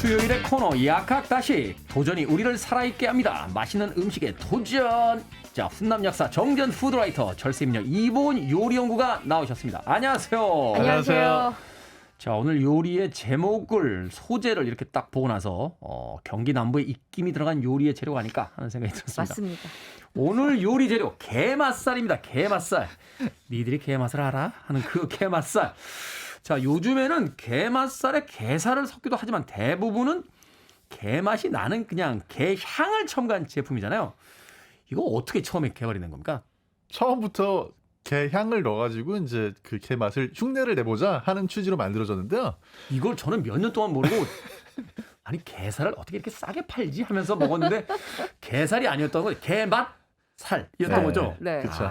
수요일의 코너 약학다시 도전이 우리를 살아있게 합니다. 맛있는 음식에 도전. 자, 훈남 약사 정전 푸드라이터 철새임녀 이보은 요리연구가 나오셨습니다. 안녕하세요. 안녕하세요. 자, 오늘 요리의 제목을 소재를 이렇게 딱 보고 나서 경기 남부에 입김이 들어간 요리의 재료가 아닐까 하는 생각이 들었습니다. 맞습니다. 오늘 요리 재료 게맛살입니다. 게맛살. 니들이 게맛을 알아? 하는 그 게맛살. 자, 요즘에는 게맛살에 게살을 섞기도 하지만 대부분은 게맛이 나는 그냥 게향을 첨가한 제품이잖아요. 이거 어떻게 처음에 개발이 된 겁니까? 처음부터 게 향을 넣어가지고 이제 그 게 맛을 흉내를 내보자 하는 취지로 만들어졌는데요. 이걸 저는 몇 년 동안 모르고 아니 게살을 어떻게 이렇게 싸게 팔지 하면서 먹었는데 게살이 아니었던 거예요. 게맛살이었던 거죠. 네. 그렇죠.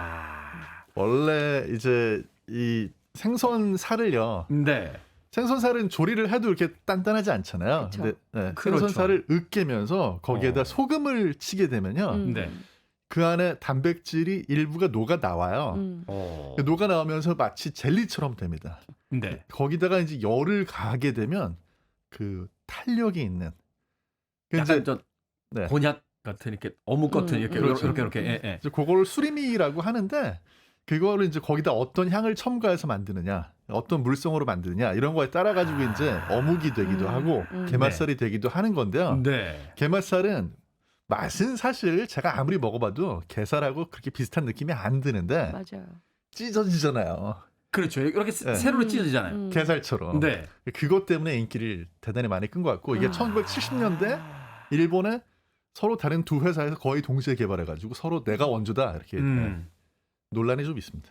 원래 이제 이 생선 살을요. 네. 생선살은 조리를 해도 이렇게 단단하지 않잖아요. 그쵸. 근데 네, 그렇죠. 생선살을 으깨면서 거기에다 소금을 치게 되면요. 네. 그 안에 단백질이 일부가 녹아 나와요. 녹아 나오면서 마치 젤리처럼 됩니다. 네. 거기다가 이제 열을 가하게 되면 그 탄력이 있는. 그 약간 이제 저 네. 곤약 같은 이렇게 어묵 같은 이렇게 그렇죠. 이렇게 예, 예. 이제 그걸 수리미라고 하는데 그거를 이제 거기다 어떤 향을 첨가해서 만드느냐, 어떤 물성으로 만드느냐 이런 거에 따라 가지고 이제 어묵이 되기도 하고 게맛살이 되기도 하는 건데요. 네. 게맛살은 맛은 사실 제가 아무리 먹어봐도 게살하고 그렇게 비슷한 느낌이 안 드는데 맞아요. 찢어지잖아요. 그렇죠. 이렇게 네. 세로로 찢어지잖아요. 게살처럼. 네. 그것 때문에 인기를 대단히 많이 끈 것 같고 이게 1970년대 일본에 서로 다른 두 회사에서 거의 동시에 개발해가지고 서로 내가 원조다 이렇게 논란이 좀 있습니다.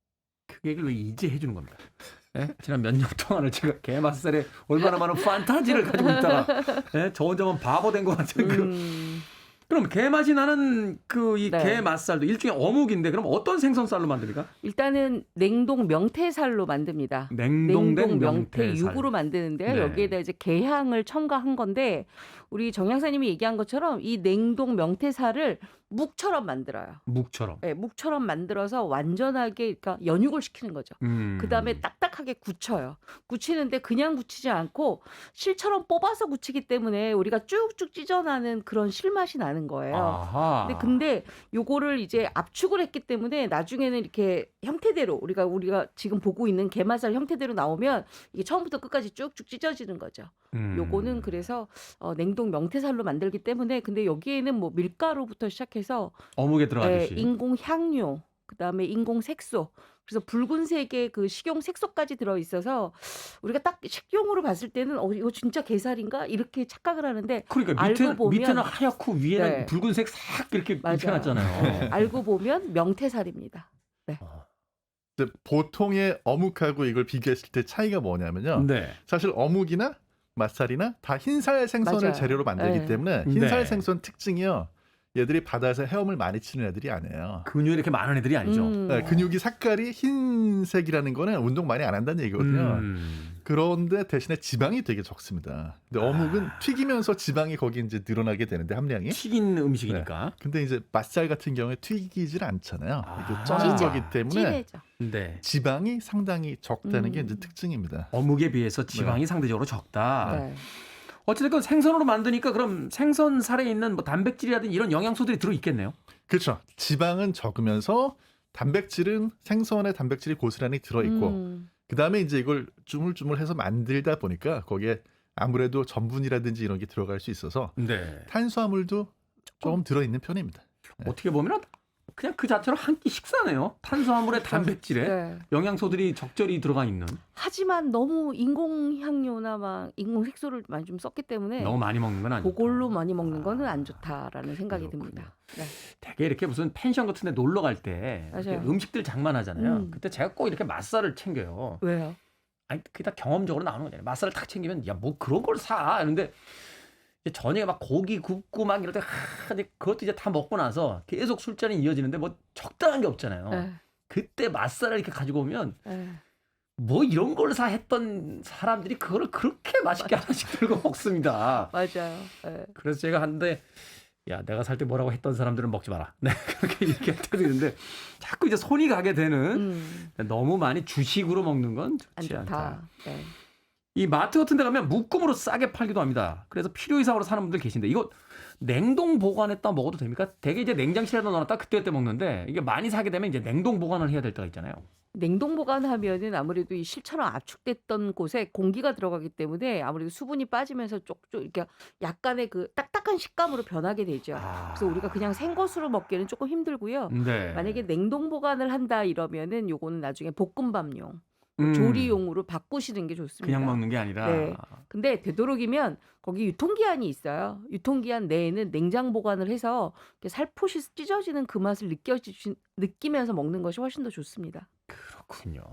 그 얘기를 왜 이제 해주는 겁니다. 예? 지난 몇 년 동안을 제가 게맛살에 얼마나 많은 판타지를 가지고 있다가 예? 저 혼자만 바보 된 것 같은 그럼 게맛이 나는 그 이 네. 게맛살도 일종의 어묵인데 그럼 어떤 생선살로 만듭니까? 일단은 냉동 명태살로 만듭니다. 냉동된 명태 명태살. 육으로 만드는데요. 네. 여기에다 이제 게향을 첨가한 건데 우리 정 양사님이 얘기한 것처럼 이 냉동 명태살을 묵처럼 만들어요. 묵처럼. 네, 묵처럼 만들어서 완전하게 그러니까 연육을 시키는 거죠. 그다음에 딱딱하게 굳혀요. 굳히는데 그냥 굳히지 않고 실처럼 뽑아서 굳히기 때문에 우리가 쭉쭉 찢어나는 그런 실맛이 나는 거예요. 아하. 근데 요거를 이제 압축을 했기 때문에 나중에는 이렇게 형태대로 우리가 지금 보고 있는 게맛살 형태대로 나오면 이게 처음부터 끝까지 쭉쭉 찢어지는 거죠. 요거는 그래서 냉동 명태살로 만들기 때문에 근데 여기에는 뭐 밀가루부터 시작해서 어묵에 들어가듯이. 인공 향료, 그다음에 인공 색소. 그래서 붉은색의 그 식용 색소까지 들어 있어서 우리가 딱 식용으로 봤을 때는 이거 진짜 게살인가 이렇게 착각을 하는데 그러니까 알고 보면 밑에는 하얗고 위에는 네. 붉은색 싹 이렇게 맞아요. 입혀놨잖아요. 알고 보면 명태살입니다. 네. 근데 보통의 어묵하고 이걸 비교했을 때 차이가 뭐냐면요. 네. 사실 어묵이나 맛살이나 다 흰살 생선을 맞아요. 재료로 만들기 네. 때문에 흰살 네. 생선 특징이요. 얘들이 바다에서 헤엄을 많이 치는 애들이 아니에요. 근육이 이렇게 많은 애들이 아니죠. 네, 근육이 색깔이 흰색이라는 거는 운동 많이 안 한다는 얘기거든요. 그런데 대신에 지방이 되게 적습니다. 근데 어묵은 튀기면서 지방이 거기 이제 늘어나게 되는데 함량이. 튀긴 음식이니까. 근데 이제 맛살 같은 경우에 튀기질 않잖아요. 이게 아. 쪄는 찌죠. 거기 때문에 진해져. 네. 지방이 상당히 적다는 게 이제 특징입니다. 어묵에 비해서 지방이 상대적으로 적다. 네. 어쨌든 생선으로 만드니까 그럼 생선살에 있는 뭐 단백질이라든지 이런 영양소들이 들어 있겠네요. 그렇죠. 지방은 적으면서 단백질은 생선의 단백질이 고스란히 들어있고 그다음에 이제 이걸 주물주물해서 만들다 보니까 거기에 아무래도 전분이라든지 이런 게 들어갈 수 있어서 네. 탄수화물도 조금 들어있는 편입니다. 어떻게 보면 그냥 그 자체로 한 끼 식사네요. 탄수화물에 단백질에 네. 영양소들이 적절히 들어가 있는. 하지만 너무 인공 향료나 막 인공 색소를 많이 좀 썼기 때문에 너무 많이 먹는 건 아니고. 그걸로 많이 먹는 거는 안 좋다라는 생각이 그렇군요. 듭니다. 네. 되게 이렇게 무슨 펜션 같은 데 놀러 갈 때 맞아요. 음식들 장만하잖아요. 그때 제가 꼭 이렇게 맛살을 챙겨요. 왜요? 아니 그게 다 경험적으로 나오는 거잖아요. 맛살을 탁 챙기면 야 뭐 그런 걸 사. 이런데 저녁에 막 고기 굽고 막 이럴 때 근데 그것도 이제 다 먹고 나서 계속 술자리 이어지는데 뭐 적당한 게 없잖아요. 네. 그때 맛살을 이렇게 가지고 오면 네. 뭐 이런 걸 사 했던 사람들이 그거를 그렇게 맛있게 하나씩 들고 먹습니다. 맞아요. 네. 그래서 제가 한데 야 내가 살 때 뭐라고 했던 사람들은 먹지 마라. 네, 그렇게 얘기할 때도 있는데 자꾸 이제 손이 가게 되는 너무 많이 주식으로 먹는 건 안 좋지 좋다. 않다. 네. 이 마트 같은 데 가면 묶음으로 싸게 팔기도 합니다. 그래서 필요 이상으로 사는 분들 계신데 이거 냉동 보관했다 먹어도 됩니까? 되게 이제 냉장실에다 넣어놨다 그때 먹는데 이게 많이 사게 되면 이제 냉동 보관을 해야 될 때가 있잖아요. 냉동 보관하면은 아무래도 이 실처럼 압축됐던 곳에 공기가 들어가기 때문에 아무래도 수분이 빠지면서 쪽쪽 이렇게 약간의 그 딱딱한 식감으로 변하게 되죠. 그래서 우리가 그냥 생것으로 먹기는 조금 힘들고요. 네. 만약에 냉동 보관을 한다 이러면은 요거는 나중에 볶음밥용, 음. 조리용으로 바꾸시는 게 좋습니다. 그냥 먹는 게 아니라. 네. 근데 되도록이면 거기 유통기한이 있어요. 유통기한 내에는 냉장 보관을 해서 이렇게 살포시 찢어지는 그 맛을 느끼면서 먹는 것이 훨씬 더 좋습니다. 그렇군요.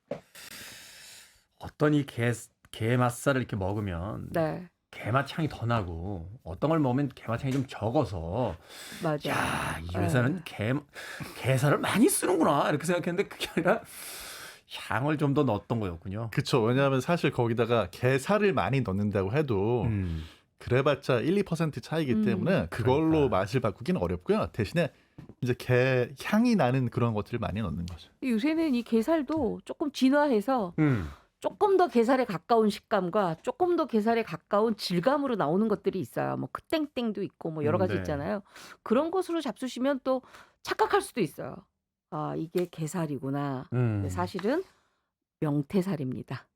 어떤 이 게맛살을 이렇게 먹으면 네, 게맛 향이 더 나고 어떤 걸 먹으면 게맛 향이 좀 적어서 맞아요. 야, 이 네. 회사는 게살을 많이 쓰는구나 이렇게 생각했는데 그게 아니라 향을 좀 더 넣었던 거였군요. 그쵸. 왜냐하면 사실 거기다가 게살을 많이 넣는다고 해도 음. 그래봤자 1, 2% 차이기 때문에 그걸로 그러니까. 맛을 바꾸기는 어렵고요. 대신에 이제 게 향이 나는 그런 것들을 많이 넣는 거죠. 요새는 이 게살도 조금 진화해서 음. 조금 더 게살에 가까운 식감과 조금 더 게살에 가까운 질감으로 나오는 것들이 있어요. 뭐 크땡땡도 있고 뭐 여러 가지 네. 있잖아요. 그런 것으로 잡수시면 또 착각할 수도 있어요. 아, 이게 게살이구나. 근데 사실은 명태살입니다.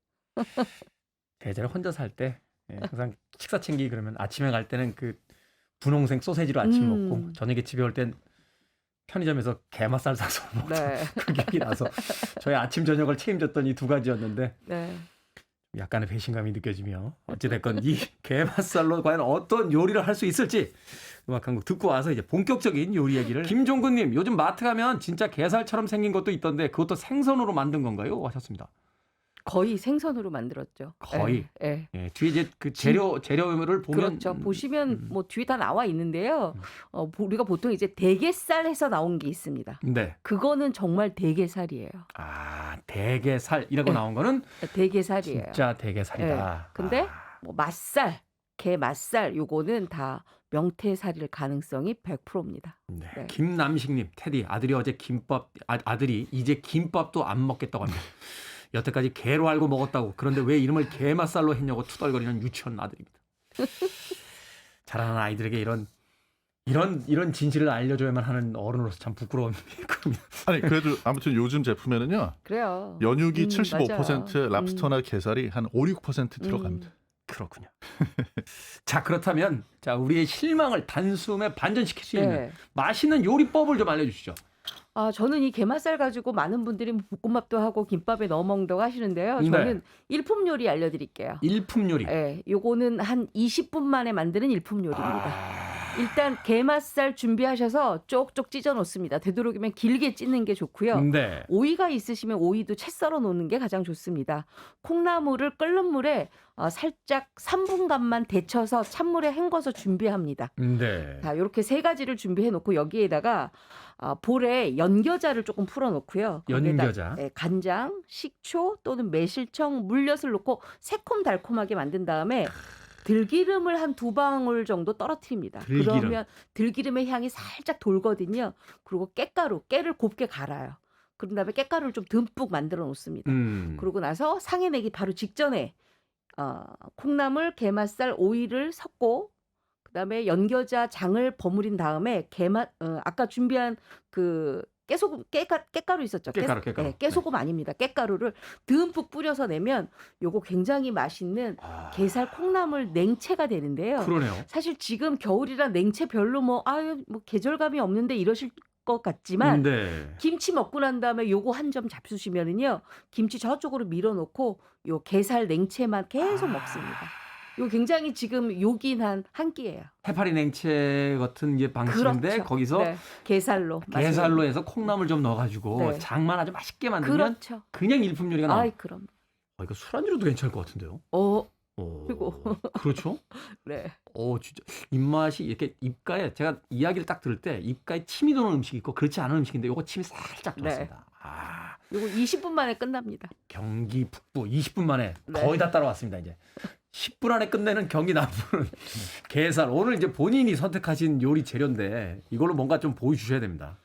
예전에 혼자 살 때 항상 식사 챙기기 그러면 아침에 갈 때는 그 분홍색 소세지로 아침 먹고 음. 저녁에 집에 올 땐 편의점에서 게맛살 사서 먹던 네. 그 기억이 나서 저의 아침 저녁을 책임졌던 이 두 가지였는데 네. 약간의 배신감이 느껴지며 어찌됐건 이 게맛살로 과연 어떤 요리를 할 수 있을지 음악 한 곡 듣고 와서 이제 본격적인 요리 얘기를 김종근님 요즘 마트 가면 진짜 게살처럼 생긴 것도 있던데 그것도 생선으로 만든 건가요? 하셨습니다. 거의 생선으로 만들었죠. 거의? 예. 예, 뒤에 이제 그 재료를 보면 그렇죠. 보시면 뭐 뒤에 다 나와 있는데요. 우리가 보통 이제 대게살에서 나온 게 있습니다. 네. 그거는 정말 대게살이에요. 아, 대게살이라고 네. 나온 거는 대게살이에요. 진짜 대게살이다. 근데 아, 뭐 맛살, 게 맛살 요거는 다 명태살일 가능성이 100%입니다. 네. 네. 김남식님, 테디 아들이 어제 아들이 이제 김밥도 안 먹겠다고 합니다. 여태까지 게로 알고 먹었다고. 그런데 왜 이름을 게맛살로 했냐고 투덜거리는 유치원 아들입니다. 자라는 아이들에게 이런 진실을 알려줘야만 하는 어른으로서 참 부끄러운 일입니다. 아니 그래도 아무튼 요즘 제품에는요. 그래요. 연육이 맞아요. 75%, 랍스터나 게살이 한 5, 6% 들어갑니다. 그렇군요. 자, 그렇다면 자, 우리의 실망을 단숨에 반전시킬 수 있는 네. 맛있는 요리법을 좀 알려주시죠. 아, 저는 이 게맛살 가지고 많은 분들이 뭐 볶음밥도 하고 김밥에 넣어 먹는다고 하시는데요. 네. 저는 일품 요리 알려드릴게요. 일품 요리. 예, 요거는 한 20분 만에 만드는 일품 요리입니다. 아, 일단 게맛살 준비하셔서 쪽쪽 찢어 놓습니다. 되도록이면 길게 찢는 게 좋고요. 네. 오이가 있으시면 오이도 채 썰어 놓는 게 가장 좋습니다. 콩나물을 끓는 물에 살짝 3분간만 데쳐서 찬물에 헹궈서 준비합니다. 네. 자, 이렇게 세 가지를 준비해 놓고 여기에다가 볼에 연겨자를 조금 풀어 놓고요. 연겨자. 간장, 식초 또는 매실청, 물엿을 넣고 새콤달콤하게 만든 다음에 들기름을 한 2방울 정도 떨어뜨립니다. 들기름. 그러면 들기름의 향이 살짝 돌거든요. 그리고 깨를 곱게 갈아요. 그런 다음에 깨가루를 좀 듬뿍 만들어 놓습니다. 그러고 나서 상에 내기 바로 직전에 콩나물, 게맛살, 오이를 섞고 그다음에 연겨자 장을 버무린 다음에 아까 준비한 그 깨가루 있었죠. 깨가루. 네, 깨소금 아닙니다. 깨가루를 듬뿍 뿌려서 내면 요거 굉장히 맛있는 게살 콩나물 냉채가 되는데요. 그러네요. 사실 지금 겨울이라 냉채 별로 뭐 계절감이 없는데 이러실 것 같지만 네. 김치 먹고 난 다음에 요거 한 점 잡수시면은요. 김치 저쪽으로 밀어놓고 요 게살 냉채만 계속 먹습니다. 요 굉장히 지금 요긴한 한 끼예요. 해파리 냉채 같은 이제 방식인데 그렇죠. 거기서 네, 게살로 게살로 해서 콩나물 좀 넣어가지고 네. 장만 아주 맛있게 만들면 그렇죠. 그냥 일품 요리가 나와요. 아이 그럼. 이거 술안주로도 괜찮을 것 같은데요. 그리고 그렇죠. 네. 진짜 입맛이 이렇게 입가에 제가 이야기를 딱 들을 때 입가에 침이 도는 음식이 있고 그렇지 않은 음식인데 요거 침이 살짝 네. 돌았습니다. 요거 20분 만에 끝납니다. 경기 북부 20분 만에 네. 거의 다 따라왔습니다. 이제 10분 안에 끝내는 경기 남부는 게살. 오늘 이제 본인이 선택하신 요리 재료인데 이걸로 뭔가 좀 보여주셔야 됩니다.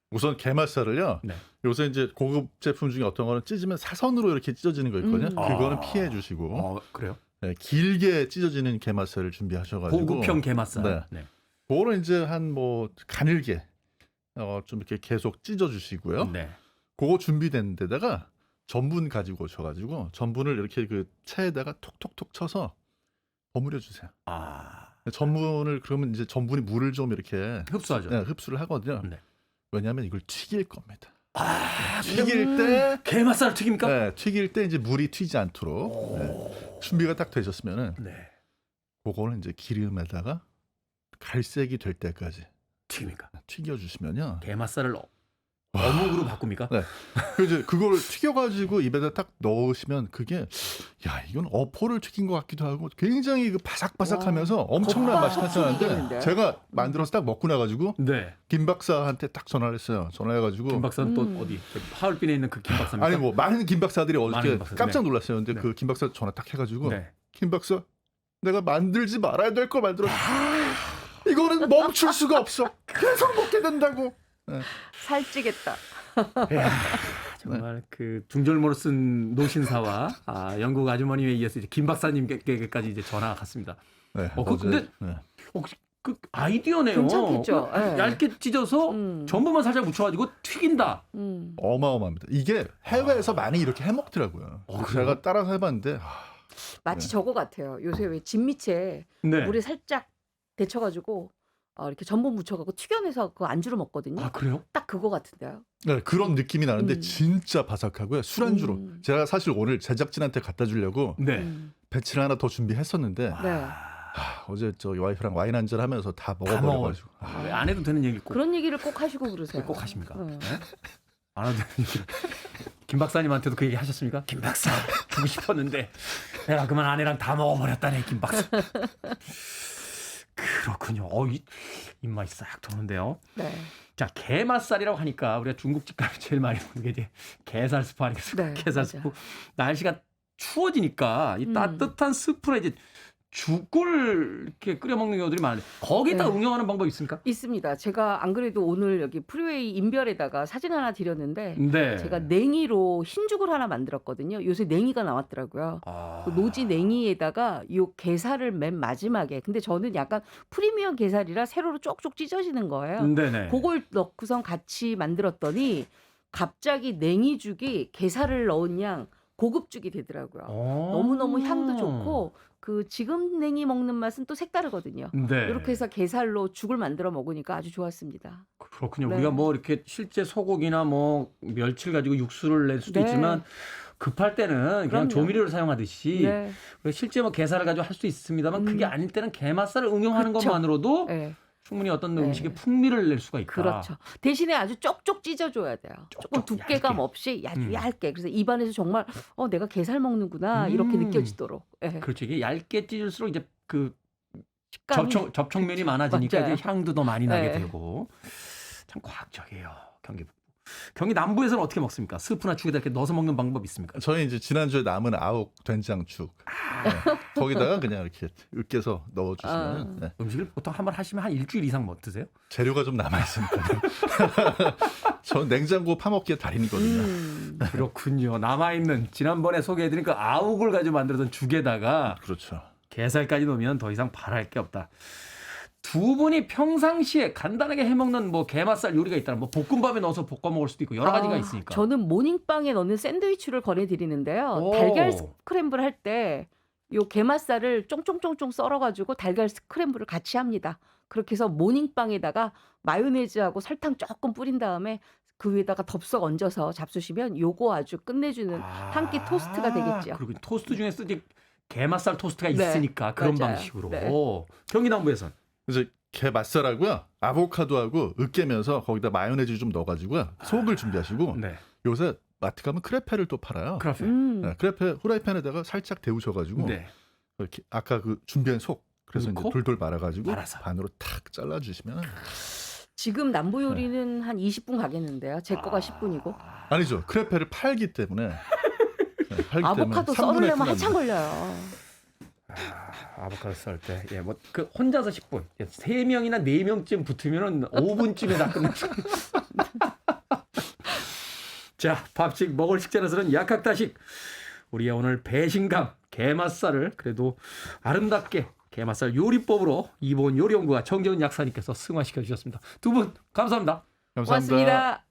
우선 게맛살을요. 네. 요새 이제 고급 제품 중에 어떤 거는 찢으면 사선으로 이렇게 찢어지는 거 있거든요. 그거는 아. 피해 주시고 그래요? 네, 길게 찢어지는 게맛살을 준비하셔가지고 고급형 게맛살. 네. 네. 그거는 이제 한 뭐 가늘게 좀 이렇게 계속 찢어 주시고요. 네. 그거 준비된 데다가 전분 가지고 오셔가지고 전분을 이렇게 그 체에다가 톡톡톡 쳐서 버무려 주세요. 아, 전분을 그러면 이제 전분이 물을 좀 이렇게 흡수하죠. 네, 흡수를 하거든요. 네. 왜냐하면 이걸 튀길 겁니다. 아, 튀길 때 게맛살 튀깁니까? 네, 튀길 때 이제 물이 튀지 않도록 준비가 딱 되셨으면은 네. 그거는 이제 기름에다가 갈색이 될 때까지 튀깁니까? 튀겨주시면요. 게맛살을 어묵으로 바꿉니까? 네. 이제 그걸 튀겨가지고 입에다 딱 넣으시면 그게 야 이건 어포를 튀긴 것 같기도 하고 굉장히 그 바삭바삭하면서 와, 엄청난 겉바 맛이 나타나는데 튀기겠는데? 제가 만들어서 딱 먹고 나가지고 네. 김 박사한테 딱 전화를 했어요. 전화해가지고 김 박사는 또 어디? 하얼빈에 있는 그 김 박사입니까? 아니 뭐 많은 김 박사들이 많은 어저께 김 박사. 깜짝 네. 놀랐어요. 근데 네. 그 김 박사 전화 딱 해가지고 네. 김 박사 내가 만들지 말아야 될 걸 만들었어. 이거는 멈출 수가 없어. 계속 먹게 된다고. 네. 살찌겠다. 이야, 정말 그 중절모로 쓴 노신사와 영국 아주머니에 이어서 이제 김 박사님께까지 이제 전화가 갔습니다. 네, 근데 네. 그 아이디어네요. 괜찮겠죠? 그 네. 얇게 찢어서 전분만 살짝 묻혀가지고 튀긴다. 어마어마합니다. 이게 해외에서 많이 이렇게 해먹더라고요. 그래요? 제가 따라서 해봤는데 마치 네. 저거 같아요. 요새 왜 진미채 네. 물에 살짝 데쳐가지고 이렇게 전분 묻혀갖고 튀겨내서 그 안주로 먹거든요. 아 그래요? 딱 그거 같은데요. 네, 그런 느낌이 나는데 음. 진짜 바삭하고요. 술안주로. 제가 사실 오늘 제작진한테 갖다 주려고 네. 배치를 하나 더 준비했었는데 네. 어제 저 와이프랑 와인 한잔 하면서 다 다 먹어버려가지고 왜 안 해도 되는 얘기를 꼭, 그런 얘기를 꼭 하시고 그러세요. 꼭 하십니까? 네. 네? 안 해도 되는 얘기를. 김 박사님한테도 그 얘기 하셨습니까? 김 박사 주고 싶었는데 내가 그만 아내랑 다 먹어버렸다네 김 박사. 그렇군요. 입맛이 싹 도는데요. 네. 자, 게맛살이라고 하니까 우리가 중국집 가면 제일 많이 먹는 게 이제 게살 스프 아니겠습니까? 네, 게살 맞아. 스프. 날씨가 추워지니까 이 따뜻한 스프에 이제 죽을 이렇게 끓여 먹는 경우들이 많은데 거기다 네. 응용하는 방법이 있습니까? 있습니다. 제가 안 그래도 오늘 여기 프리웨이 인별에다가 사진 하나 드렸는데 네. 제가 냉이로 흰죽을 하나 만들었거든요. 요새 냉이가 나왔더라고요. 그 노지 냉이에다가 요 게살을 맨 마지막에 근데 저는 약간 프리미엄 게살이라 세로로 쪽쪽 찢어지는 거예요. 네네. 그걸 넣고선 같이 만들었더니 갑자기 냉이죽이 게살을 넣은 양 고급죽이 되더라고요. 너무너무 향도 좋고 그 지금 냉이 먹는 맛은 또 색다르거든요. 네. 이렇게 해서 게살로 죽을 만들어 먹으니까 아주 좋았습니다. 그렇군요. 네. 우리가 뭐 이렇게 실제 소고기나 뭐 멸치를 가지고 육수를 낼 수도 네. 있지만 급할 때는 그냥 그럼요. 조미료를 사용하듯이 네. 실제 뭐 게살을 가지고 할 수 있습니다만 그게 아닐 때는 게맛살을 응용하는 그쵸. 것만으로도 네. 충분히 어떤 네. 음식의 풍미를 낼 수가 있다. 그렇죠. 대신에 아주 쪽쪽 찢어줘야 돼요. 조금 쪽쪽 두께감 얇게. 없이 아주 얇게. 그래서 입안에서 정말 내가 게살 먹는구나 이렇게 느껴지도록. 네. 그렇죠. 이게 얇게 찢을수록 이제 그 식감이 접촉면이 많아지니까 맞아요. 이제 향도 더 많이 나게 네. 되고 참 과학적이에요. 경기 북부. 경기 남부에서는 어떻게 먹습니까? 스프나 죽에다 이렇게 넣어서 먹는 방법이 있습니까? 저희 이제 지난주에 남은 아욱 된장죽 네. 거기다가 그냥 이렇게 으깨서 넣어주시면 네. 음식을 보통 한 번 하시면 한 일주일 이상 못 드세요? 재료가 좀 남아 있으니까. 전 냉장고 파먹기에 달인이거든요. 그렇군요. 남아있는 지난번에 소개해드린 그 아욱을 가지고 만들었던 죽에다가 그렇죠. 게살까지 넣으면 더 이상 바랄 게 없다. 두 분이 평상시에 간단하게 해먹는 뭐 게맛살 요리가 있다면 뭐 볶음밥에 넣어서 볶아 먹을 수도 있고 여러 가지가 있으니까. 저는 모닝빵에 넣는 샌드위치를 권해드리는데요. 오. 달걀 스크램블 할 때 요 게맛살을 쫑쫑쫑쫑 썰어가지고 달걀 스크램블을 같이 합니다. 그렇게 해서 모닝빵에다가 마요네즈하고 설탕 조금 뿌린 다음에 그 위에다가 덥석 얹어서 잡수시면 요거 아주 끝내주는 한 끼 토스트가 되겠죠. 그리고 토스트 중에서 이제 게맛살 토스트가 네, 있으니까 그런 맞아요. 방식으로. 네. 경기 남부에선 이제 게 맛살하고요, 아보카도하고 으깨면서 거기다 마요네즈 좀 넣어가지고요, 속을 준비하시고 네. 요새 마트 가면 크레페를 또 팔아요. 크라페. 네, 크레페 후라이팬에다가 살짝 데우셔가지고 네. 이렇게 아까 그 준비한 속 그래서 이제 넣고? 돌돌 말아가지고 말아서. 반으로 탁 잘라주시면 지금 남부 요리는 한 20분 가겠는데요. 제 거가 10분이고. 아니죠. 크레페를 팔기 때문에 네, 팔기 아보카도 때문에 3분의 썰으려면 1 한참 걸려요. 아보카도 썰 때, 예, 뭐 그 혼자서 10분, 3명이나 4명쯤 붙으면은 5분쯤에 다 끝났어. 자, 밥식 먹을 식재로서는 약학다식. 우리의 오늘 배신감 게맛살을 그래도 아름답게 게맛살 요리법으로 이보은 요리연구가 정재훈 약사님께서 승화시켜 주셨습니다. 두 분 감사합니다. 감사합니다. 고맙습니다.